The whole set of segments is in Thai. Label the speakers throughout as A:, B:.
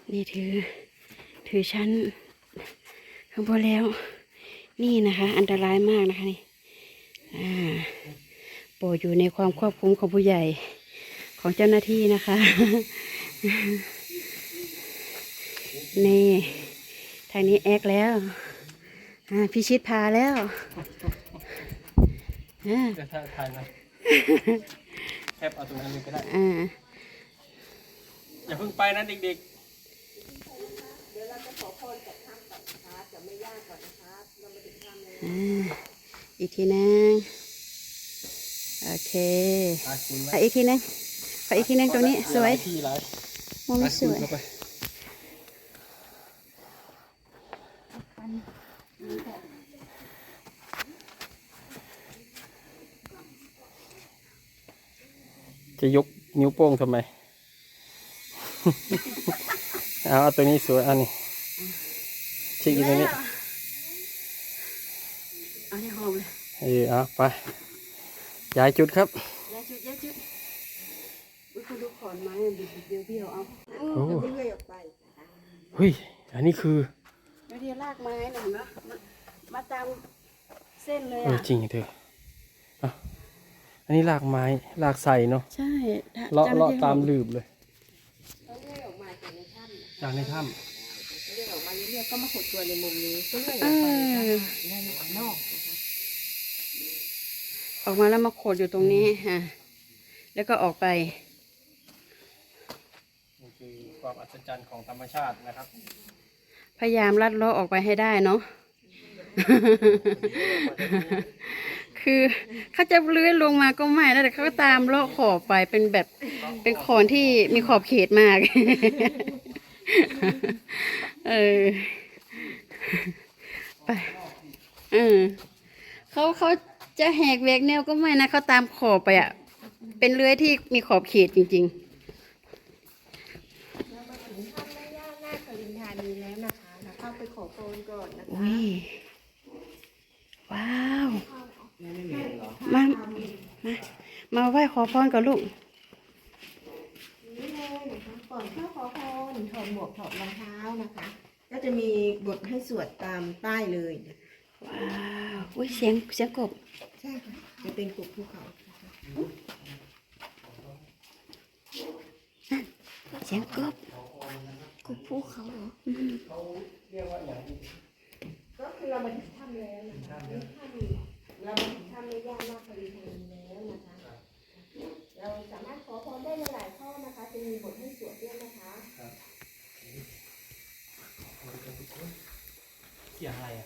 A: นี่ถือชั้นข้างบนแล้วนี่นะคะอันตรายมากนะคะนี่โปรดอยู่ในความควบคุมของผู้ใหญ่ของเจ้าหน้าที่นะคะนี่ทางนี้แอกแล้วพิชิตพาแล้ว
B: จะถ่ายไหมแคปเอาตรงนั้นเลยก็ได้อย่าเพิ่งไปนะเด็กๆเดี๋ยวเราจะขอพรจากถ้ำก่อนนะคะจะไม่ยากก่อนนะคะเรามาถึงถ้ำแล้ว
A: อีกทีนึงโอเคอีกทีนึงอีกทีนึงตรงนี้สวยมุมนี้สวย
B: จะยกนิ้วโป้งทำไม เอาตัวนี้สวยอันนี้ชี้อีกตัวนี้
A: เอาที่หอมเลย
B: เอาไปย้ายจุดครับ
A: ย้ายจุดคุณดูขอนไม้เบี้ยวเอาเลื่อยออกไป
B: เฮ้ยอันนี้คือ
A: เดี๋ยวลากไม้หน่อยนะมาตามเส้นเลย
B: จริงเถอะอันนี้ลากไม้ลากใส่เนาะ
A: ใช่
B: เลาะตามลืบเลยจากในถ้ำ
A: เลื่อยออกมาเรื่อยๆก็มาขดตัวในมุมนี้ก็เลื่อยออกไปด้านนอกออกมาแล้วมาขดอยู่ตรงนี้แล้วก็ออกไป
B: นี่คือความอัศจรรย์ของธรรมชาตินะครับ
A: พยายามลัดเลาะออกไปให้ได้เนาะคือเขาจะเลื้อยลงมาก็ไม่แล้วแต่เขาก็ตามเลาะขอบไปเป็นแบบเป็นขอนที่มีขอบเขตมากไปเขาจะแหกแหวกแนวก็ไม่นะเขาตามขอบไปเป็นเลื้อยที่มีขอบเขตจริงๆ
C: เรามาถึงถ้ำแม่ย่านาคลินทานีแล้วนะคะเราเข้าไปขอพรก่อนนะคะ
A: ว้าวมาไหว้ขอพรกับลูก
C: นี่เลยนะคะก่อนเข้าขอพรถอดหมวกถอดรองเท้านะคะก็จะมีบทให้สวดตามป้ายเลย
A: ว้าวอุ้ยเสียงกบ
C: ใช่ค่ะจะเป็นกบภูเขา
A: เสียงกบ
C: ภูเขาเหรอก็คือเรามาถึงถ้ำแล้วนะคะเรามาถึงถ้ำแม่ย่านาคลินทานีแล้วนะคะเราสามารถขอพรได้หลายข้อนะคะจะมีบทให้สวดด้วยนะคะ
B: เสียงอะไร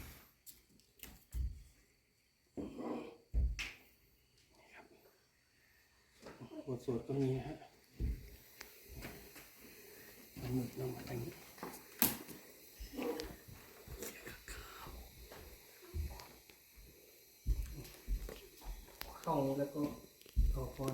B: บทสวดก็มีฮะหมุดลงมาทางนี้เข้าแล้วก็ขอพร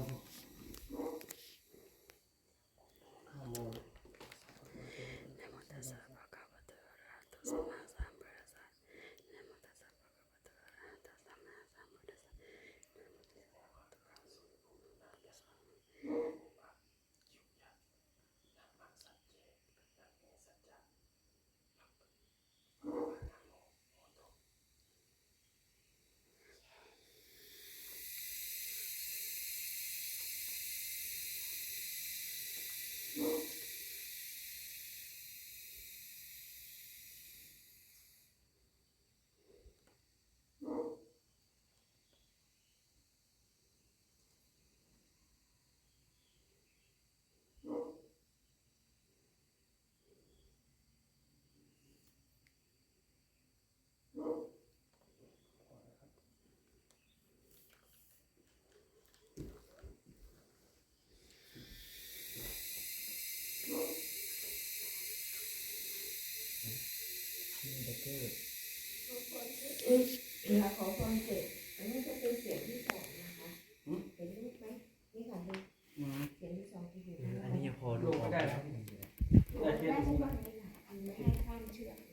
C: เวลาขอพรเสร็จอันนี้จะเป็นเสียงที่สองนะคะเห็นรูปไหมนี่ค่ะดูเสียงที่สองที่อยู่
B: อันนี้ยังพอดูได้ครับ
C: ได้ทุกวันเลยค่ะไม่ให้ข้ามเชือก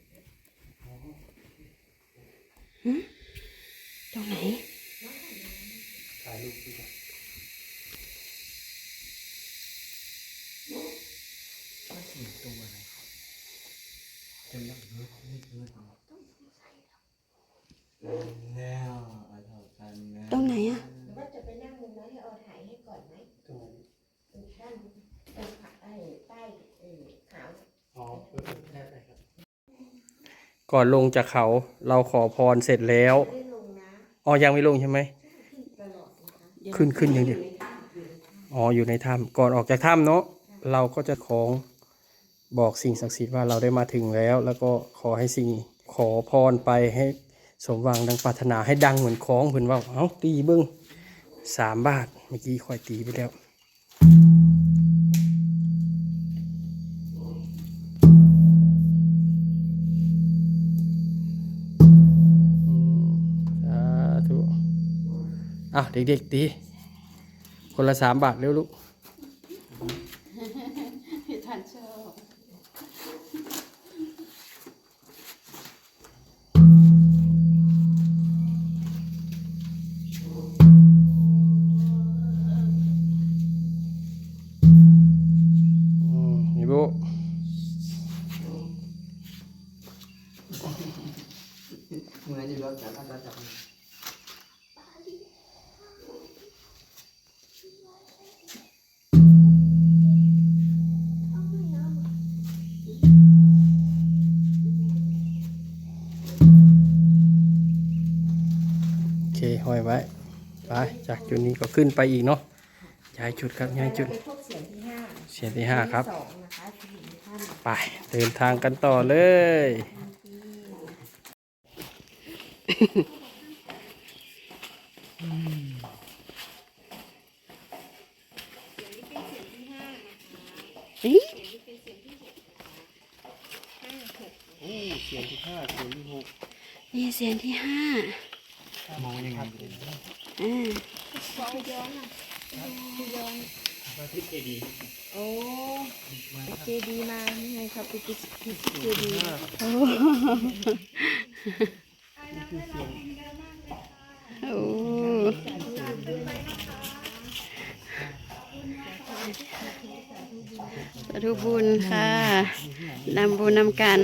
A: ตรงไหน
B: ถ่ายรูปด้วยมาถึงตัวอะไร
A: ตรงไหนอ่ะ
C: หรือว่าจะไปนั่งมุมนั้นให้เอาถ่ายให้ก่อนไหมด้านตรงขาใต้ขาว
B: ก่อนลงจากเขาเราขอพรเสร็จแล้ว
C: ไม่ได้ลงนะ
B: อ๋อยังไม่ลงใช่ไหม
C: ตลอดนะคะ
B: ขึ้นอย่างเดียวอ๋ออยู่ในถ้ำก่อนออกจากถ้ำเนาะเราก็จะของบอกสิ่งศักดิ์สิทธิ์ว่าเราได้มาถึงแล้ว แล้วก็ขอให้สิ่งขอพรไปให้สมหวังดังปรารถนาให้ดังเหมือนของเพิ่นว่าเอ้าตีเบิ้ง3 บาทเมื่อกี้ค่อยตีไปแล้วสาธุเด็กๆตีคนละ3 บาทเร็วลูก
A: ท่านชอบ
B: นี่บุมือจะรถจับอันจับโอเคห้อยไว้ไปจากจุดนี้ก็ขึ้นไปอีกเนาะย้ายจุดครับย้ายจุด
C: ไปพบเสียงที่ห้า
B: เสียงที่ 5ครับ
C: สองนะคะที่อยู่ในถ้ำ
B: ไปเดินทางกันต่อเลย
A: เฮ้ย
B: เสียงที่ 5เสียงที่
A: นี่เสียงที่ห้า
B: 6มองยังไง
C: โอ้เจดีมาไงครับไปติดเจดี
A: โอ้สาธุบุญค่ะนำบุญนำกัน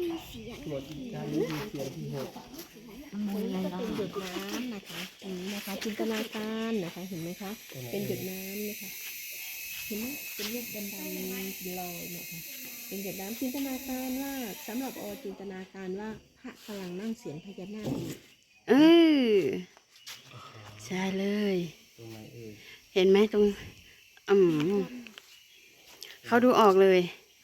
C: เป็นหยดน้ำนะคะอันนี้นะคะจินตนาการนะคะเห็นไหมคะเป็นหยดน้ำนะคะเห็นไหมเป็นรูปดำๆลอยนะคะเป็นหยดน้ำจินตนาการว่าสำหรับจินตนาการว่าพระกำลังนั่งเสียงพญานาคอยู่
A: ใช่เลย เห็นไหมตรงเขาดูออกเลย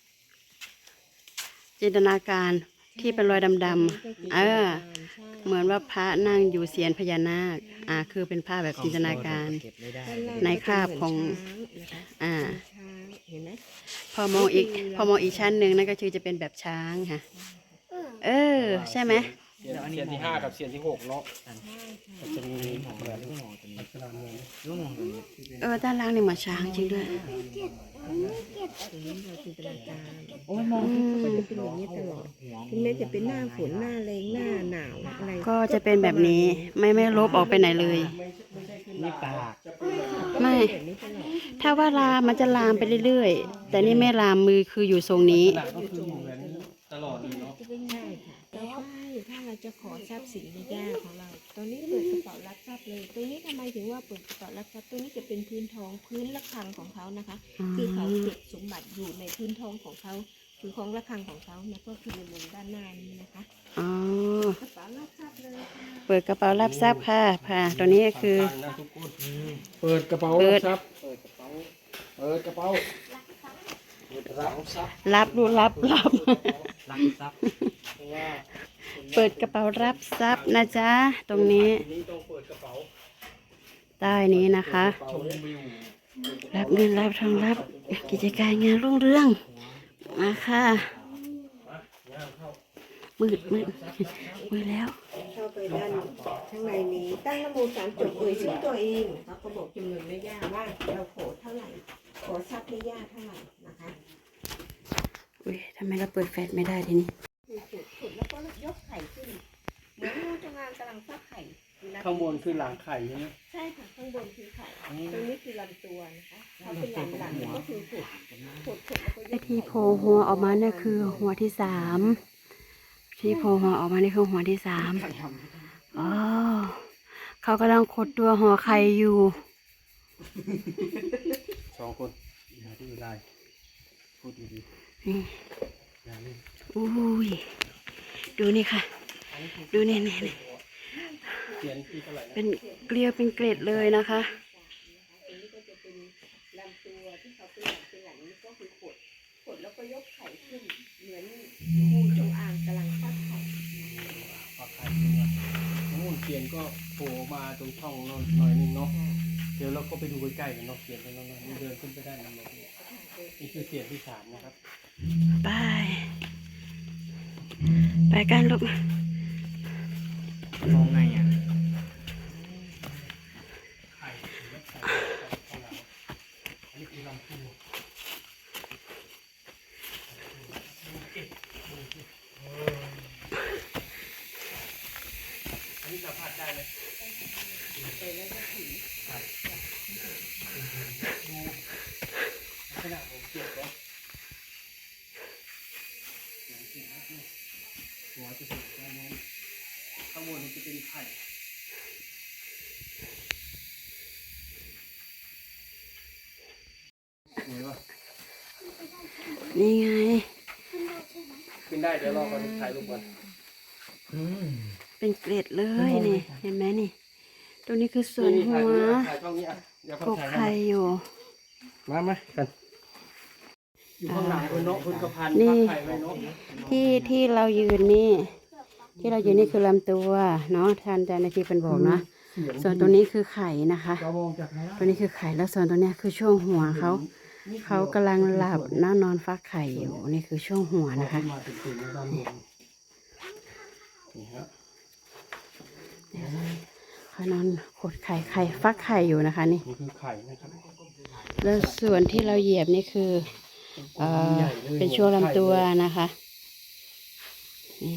A: จินตนาการที่เป็นรอยดำๆเหมือนว่าพระนั่งอยู่เสียนพญานาคคือเป็นภาพแบบจินตนาการ ในคราบของ
C: เห็นไหม
A: พอมองอีกชั้นหนึ่งนั่นก็คือจะเป็นแบบช้างค่ะใช่ไหม
B: เสียงที่ 5กับเสียงที่ 6เนาะจะมีเหมือน
A: ด้านล่างนี่เหมือนช้างจริงด้วย
C: จินตนาการมองมันจะเป็นอย่างนี้ตลอดถึงแม้จะเป็นหน้าฝนหน้าแรงหน้าหนาวอะไร
A: ก็จะเป็นแบบนี้ไม่ลบออกไปไหนเลย
B: นี่ปาก
A: ไม่
C: แบบนี้ตลอด
A: ถ้าว่าลามมันจะลามไปเรื่อยๆแต่นี่ไม่ลามมือคืออยู่ทรงนี้
B: หนักก็คืออยู่แบบนี้ตลอดเลยเนาะ
C: ใช่ค่ะแล้วถ้าเราจะขอทรัพย์สินในย่าของเรา ตอนนี้เปิดกระเป๋ารับทรัพย์เลย ตรงนี้ทำไมถึงว่าเปิดกระเป๋ารับทรัพย์ตรงนี้จะเป็นพื้นทองพื้นระฆังของเขานะคะ คือเขาเก็บสมบัติอยู่ในพื้นทองของเขาคือของระฆังของเขานะก็คือในมุมด้านหน้านี้นะคะ
A: อ๋อ
C: กระเป๋ารับทรัพย์เลยค่ะ
A: เปิดกระเป๋ารับทรัพย์ค่ะตัวนี้ก็คือ
B: เปิดกระเป๋ารับทรัพย์เปิดกระเป๋าเปิดกระเป๋ารับทรัพย์
A: รับดูรับ
B: รับทรัพย์เพราะว่า
A: เปิดกระเป๋ารับทรัพย์นะจ๊ะตรงนี้
B: ทีนี้ต้องเปิดกระเป๋า
A: ใต้นี้นะคะ
B: ชมวิว
A: รับเงินรับทองรับกิจการงานรุ่งเรืองมาค่ะมืดแล้ว
C: เข้าไปด้านข้างในนี้ตั้งนะโม3 จบชื่อตัวเองเขาก็บอกจำนวนไม่ยากว่าเราขอเท่าไหร่ขอทรัพย์ไม่ยากเท่าไหร่นะคะ
A: อุ้ยทำไมเราเปิดแฟลชไม่ได้ทีนี้
C: ขุดแล้วก็ยกไข่ขึ้นเหมือนงูจงอางกำลังฟักไข่
B: ข้างบนคือหลังไข่ใช่ไหม
C: ใช่ค่ะข้างบนคือไข่ตรงนี้คือลำตัวนะคะถ้าเป็นหลังก็คือขุดแล้วก็ย
A: ไอ้
C: ก
A: ที่
C: ไข่
A: โผล่หัวออกมาเนี่ยคือหัวที่ 3 ที่โผล่หัวออกมานี่คือหัวที่สามอ๋อเขากำลังขดตัวห่อไข่อยู่
B: 2 คนอย่าดื้อได้พูดดี
A: นี่
B: ๆอย่าเล่น
A: อุ้ยดูนี่ค่ะ ดูนี่นี่นี่
B: เขียนที่เท่าไหร่นะ
A: เป็นเกลียวเป็นเกล็ดเลยนะคะ
C: ตรงนี้ก็จะเป็นลำตัวที่เขาเป็นหลังนี่ก็คือขดแล้วก็ยกไข่ขึ้นเหมือนงูจงอางกำลังฟักไข่
B: ปลาไข่ตัวนู่นเขียนก็โผล่มาตรงช่องนนหน่อยนึงเนาะเดี๋ยวเราก็ไปดูใกล้ๆกันเนาะเขียนตรงนั้นนี่เดินขึ้นไปได้นะนี่คือเสียงที่ 3นะครับ
A: ไป ไปกันลูก
D: มองไงอ่ะ
B: ไข่และไข่ของเราอันนี้คือลำตัวอันนี้สัมผัสได้ไหมดูขนาดผมเก็บแล้วหัวจะสุดด้านนั้นข้างบนนี้จะเป็นไข่สวยป่ะ
A: นี่ไง
B: ขึ้นได้เดี๋ยวรอก่อนถ่ายรูปก่อน
A: เป็นเกล็ดเลยนี่ เห็นไหมนี่ ตรงนี้คือส่วนหัว
B: ถ่ายช่องนี้อ่ะเดี๋ยว
A: ก
B: เขา
A: ก
B: ถ่าย
A: ไข่อยู่
B: มากันอยู่ข้างหลังคุณนกคุณกระพัน
A: นี่
B: พักไข่ไว้นก
A: ที่เรายืนนี่ ที่เรายืนนี่คือลำตัวเนาะท่านอาจารย์นาทีเป็นบอกนะ ส่วนตรงนี้คือไข่นะคะ
B: เรามองจากข้างล่าง
A: ตัวนี้คือไข่แล้วส่วนตัวเนี้ยคือช่วงหัวเขากำลังหลับนอนฟักไข่อยู่นี่คือช่วงหัวนะคะ
B: มาถึงด้านบนนี่ฮะ
A: เขานอนขดไข่ฟักไข่อยู่นะคะนี่
B: นี่คือไข่นะครับ
A: แล้วส่วนที่เราเหยียบนี่คือเป็นช่วงลำตัวนะคะนี่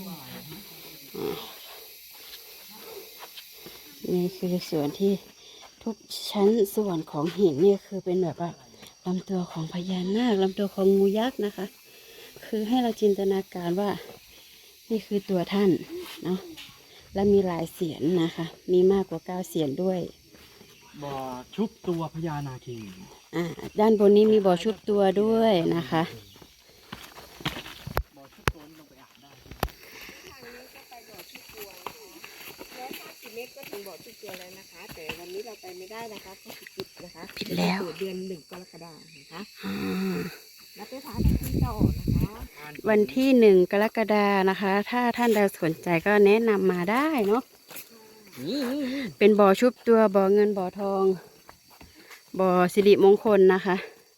A: นี่คือส่วนที่ทุกชั้นส่วนของหินเนี่ยคือเป็นแบบว่าลำตัวของพญานาคลำตัวของงูยักษ์นะคะ คือให้เราจินตนาการว่านี่คือตัวท่านเนาะและมีหลายเสียนนะคะ มีมากกว่า9 เสียนด้วย
D: บ่อชุบตัวพญานาคี
A: ด้านบนนี้มีบ่อชุบตัวด้วยนะคะ
D: บ่อชุบตัวลงไปอาบได้
C: ทางนี้ก็ไปบ่อชุบตัวนะคะ150 เมตรก็ถึงบ่อชุบตัวแล้วนะคะ แต่วันนี้เราไปไม่ได้นะคะเพราะปิดนะคะ
A: ปิดแล้ว
C: เปิดเดือน1 กรกฎาคมนะคะ
A: อ่า
C: แล้วไปพาท่านต่อนะคะ
A: วันที่1 กรกฎานะคะ ถ้าท่านใดสนใจก็แนะนำมาได้เนาะเป็นบ่อชุบตัวบ่อเงินบ่อทอง บ่อสิริมงคลนะคะ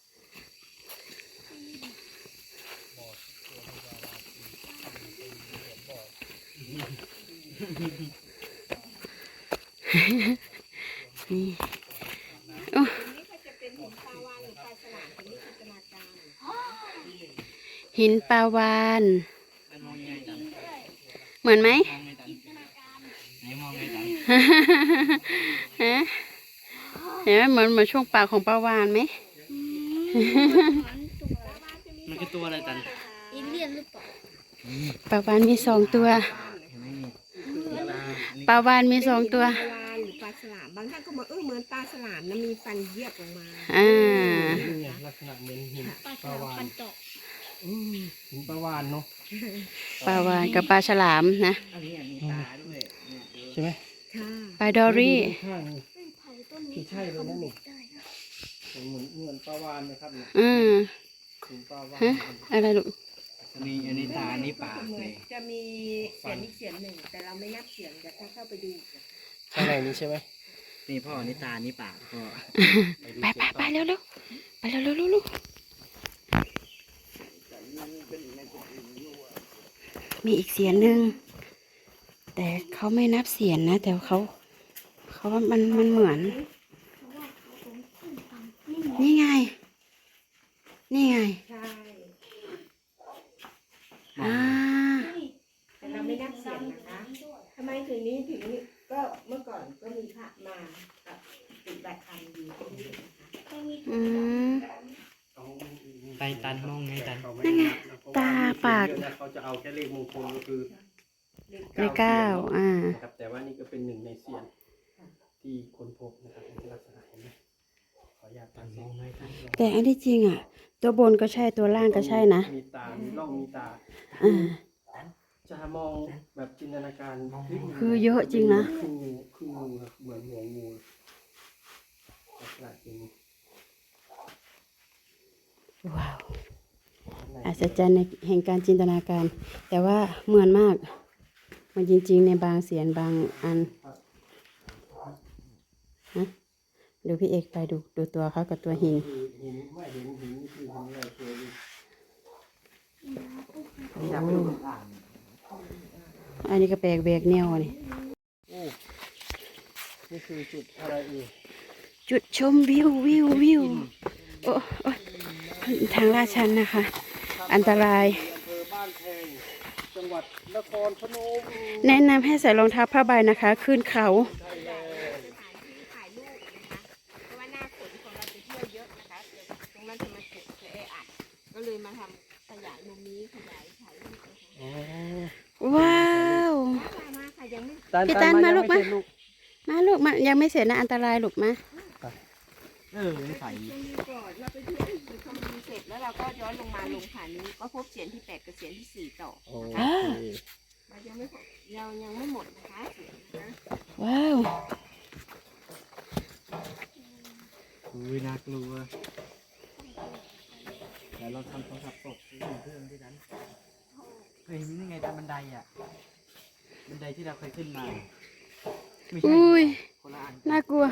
A: นี่โอ้
C: นี่ก็จะเป็นหินปลาวาฬหรือปลาฉลามเป็นนิจินตนาการ
A: หินปลาวาน
D: มองไงจัง
A: เหมือนไหม
D: มองไงจังไหนมองไงจัง
A: ฮะเห็นไหมเหมือนช่วงปากของปลาวานไหม
D: มันคือตัวอะไรจัง
C: อินเลียนหรือเปล่า
A: ปลาวานมี2 ตัว
D: เห็นไหมนี่
A: ปลาวานมี2 ตัว
C: ปลาวาฬหรือปลาฉลามบางท่านก็บอกเหมือนปลาฉลามนะมีฟันเยียบออกมา
A: อ่า
B: นี่ไงลักษณะเหมือนหินปลาวาฬหินปลาวาฬเนาะ
A: ปลาวานกับปลาฉลามนะ
D: อันนี้มีตาด้วยเนี่ย
B: ใช่ไหม
C: ค่ะ
A: ปลาดอรี่
B: ข้างนี่คือใช่เลยนะนี่เหมือนปลาวาฬนะครับเนี่ย
A: อืม
B: หินปลาวาฬ
A: ฮะอะไรลูก
D: อันนี้ตาอันนี้ปากเลย
C: จะมีเสียงอีกเสียงหนึ่งแต่เราไม่นับเสียงแต่ถ้าเข้าไปดู
B: ข้างในนี้ใช่ไหม
D: นี่พ่ออันนี้ตาอันนี้ปากพ่อ
A: ไปเร็วเร็วไปเร็วเร็วเร็วมีอีกเสียงหนึ่งแต่เขาไม่นับเสียงนะ แต่เขาว่ามันเหมือน นี่ไง นี่ไง
C: ใช่
A: อ่า
C: แต่เราไม่นับเสียงนะคะทำไมถึงนี้ถึงนี้ก็เมื่อก่อนก็มีพระมาปฏิบัติธรรมอยู่ที่นี่นะคะ
A: อืม
D: ไปตันมองไง
B: เขาไม่
A: นั่นไง
B: นับนะเพระว่
A: ตาปาก
B: เดือนนะเขาจะเอาแค่เลขมงคลก็คือ
A: เลขเก้า
B: เสียง
A: อ่า
B: นะครับแต่ว่านี่ก็เป็นหนึ่งในเสียงที่คนพบนะครับในลักษณะเห็นไหมขออนุญาตตั้งมองให้ท่าน
A: แต่อันที่จริงอ่ะ ตัวบนก็ใช่ตัวล่างก็ใช่นะ
B: มีตา มีร่องมีตา
A: อ่า
B: จะมองแบบจินตนาการ
A: คือเยอะจริงนะ
B: คืองูคืองูครับเหมือนหัวงูลักษณะเป็น
A: ว้าวอัศจรรย์ในแห่งการจินตนาการ แต่ว่าเหมือนมาก มันจริงๆในบางเสียงบางอันฮะดูพี่เอกไปดูตัวเขากับตัวหิน
B: คือหินไม่เห็นหินนี่คือหินอะไรเคยดู
D: นี่จะเป็นอ่าง
A: อันนี้ก็แปลกแบกแนวนี่
B: โอ้นี่คือจุดอะไรเอ่ย
A: จุดชมวิวโอ้โอ้ทางลาดชันนะคะ อันตราย
B: อำเภอบ้านแพงจังหวัดนครพนม
A: แนะนำให้ใส่รองเท้าผ้าใบนะคะ ขึ้นเขา
C: ถ่ายรูปนะคะเพราะว่าหน้าฝนของเราจะเที่ยวเยอะนะคะเดี๋ยวตรงนั้นจะมาจุดจะอัดก็เลยมาทำขยายมุมนี้ขยายถ่ายรูปนะคะ
A: ว้าว
C: มาค่ะยังไม่
A: พี่ตันมาลูก
B: ยัง
A: มา
B: ไเสร็จลูก
A: มาลูกมายังไม่เสร็จนะอันตรายลูกมา
D: ยังใส่
C: ยังมีก่อนเราไปเที่ยวไปชมวิวเสร็จแล้วเราก็ย้อนลงมาลงผานี้ก็พบเสียงที่8กับเสียงที่4ต่อ
B: โอ
C: นะคะ
B: เค
C: เรายังไม่พบเรายังไม่หมดนะคะเสียงนะคะ
A: ว้าว
D: อุ้ยน่ากลัวเดี๋ยวเราทำโทรศัพท์ตกเพื่อนที่นั้นเคยเห็นยังไงตามบันไดอ่ะบันไดที่เราเคยขึ้นมาไม่ใช่
A: อุ้ย
D: คนละอัน
A: น่ากลัว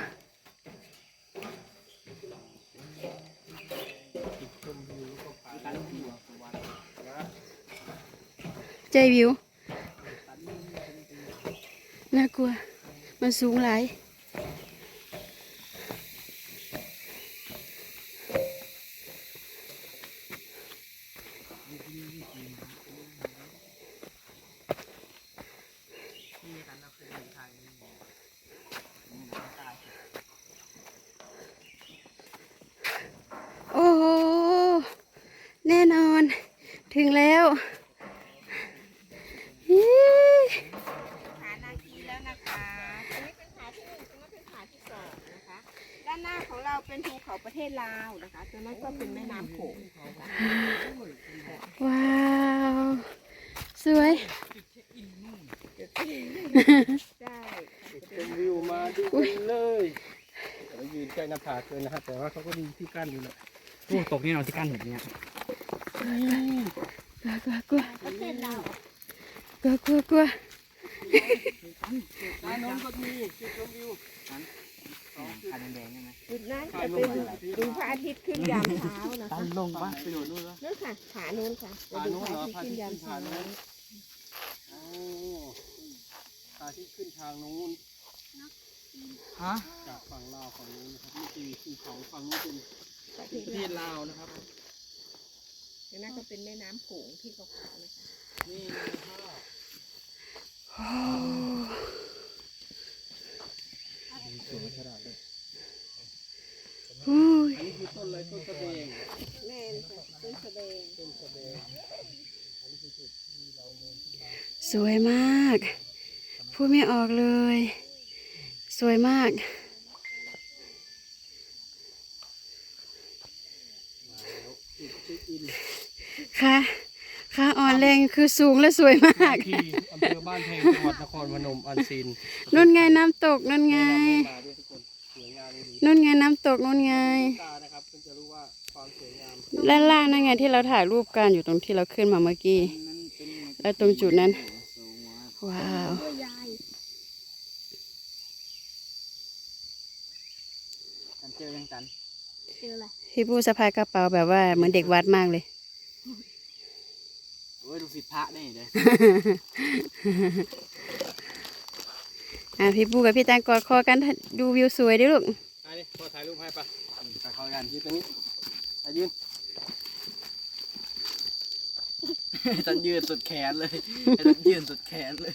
A: ใจวิว น่ากลัว มันสูงหลาย โอ้โห แน่นอน ถึงแล้วฮิ
C: ผานาคีแล้วนะคะตรงนี้เป็นผาที่1ตรงนั้นเป็นผาที่2นะคะ ด้านหน้าของเราเป็นภูเขาประเทศลาวนะคะตรงนั้นก็เป็นแม่น้ำโขงนะคะ
A: ว้าว สวย
C: ได้
B: เป็นวิวมาดูกันเลยเรายืนใกล้หน้าผาเกินนะครับแต่ว่าเขาก็มีที่กั้นอยู่แหละ
D: โอ้ตกนี่เราที่กั้นแบบเนี้ย
A: กลัวกลัว
B: ด้านโน้นก็มีจุดชมวิว
D: ขาแดงๆใช่ไหม
C: จุดนั้นจะเป็นดูพระอาทิตย์ขึ้นยามเช้านะ
D: ตั
C: คะ
D: นลงปะไปโดดนู่นปะ
C: นู่นค่ะผานู้นค่ะจะดูพระอาทิตย์ขึ้นยามเช้า
B: โอ้พาที่ขึ้นทางนู้น
D: ฮะ
B: จากฝั่งลาวฝั่งนู้นนะครับนี่คือภูเขาฝั่งนู้นเป็น
C: ประเท
B: ประ
C: ศ
B: เทศ
C: ลาว
B: ลาวนะครับ
C: ตรงนั้นก็เป็นแม่น้ำโขงที่เขาขาวๆนะคะ
B: นี่นะครับ
A: อุ้ย
B: อันนี้คือต้นอะไรต้นกระเบง
C: แม่นค่ะต้นสะเดง
B: ต้นกระเบง
A: สวยมาก พูดไม่ออกเลย สวยมาก ค่ะค่ะอ่อนแรงคือสูงและสวยมาก
B: ที่อำเภอบ้านแพงจังหวัดนครพนมอันซีน
A: นุ่นไงน้ำตกนุ่นไง
B: แนะนำให้มาด้วยทุกคนสวยงามดี
A: นุ่นไงน้ำตกนุ่นไง
B: ตานะครับเพื่อจะรู้ว่าความสวยงาม
A: ด้านล่างนั่นไงที่เราถ่ายรูปกันอยู่ตรงที่เราขึ้นมาเมื่อกี้ แล้วตรงจุดนั้น ว้าว
C: ตัวยาย
D: ตันเจอยังตัน
C: เจออะไร
A: พี่ผู้สะพายกระเป๋าแบบว่าเหมือนเด็กวัดมากเลย
D: โอ้ยดูผิดพระได้เลย
A: พี่ปูกับพี่แตงกอดคอกันดูวิวสวยดิลูก
B: อันนี้พอถ่ายรูปให้ปะ
D: ไปเข้ากัน
B: ยืนตรงนี้ยืน
D: ตันยืนสุดแขนเลยตันยืนสุดแขนเลย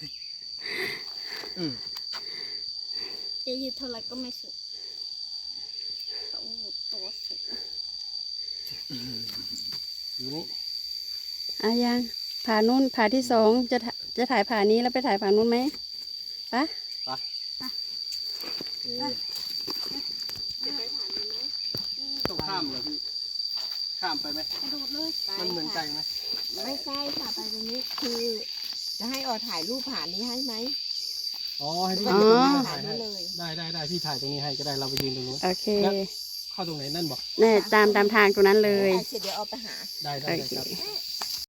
C: จะยืดเท่าไรก็ไม่สุดต้องตัวสุด
B: อยู่นี่
A: ยังผ่านู้นผ่าที่สองจะถ่ายผ่านี้แล้วไปถ่ายผ่านู้นไหมปะ
B: ต้องข้ามเหรอพี่ข้ามไปไหม
C: กระโดดเลย
B: มันเหมือนไกลไหม
C: ไม่ใช่ค่ะไปตรงนี้คือจะให้ออถ่ายรูปผ่านนี้ให้ไหม
B: อ๋อให้พี่
C: ก็
B: ยืน
C: จะ
B: ตรงนี้
C: ถ่า
B: ถ่าย ย
C: นี้
B: ให้
C: เลย
B: ได้พี่ถ่ายตรงนี้ให้ก็ได้เราไปยืนตรงนู้น
A: โอเค
B: เข้าตรงไหนนั่นบอก
A: เนี่ยตามทางตรงนั้นเลย
C: เสร็จเดี๋ยวเอาไปหา
B: ได้
A: โอเค
B: ครับ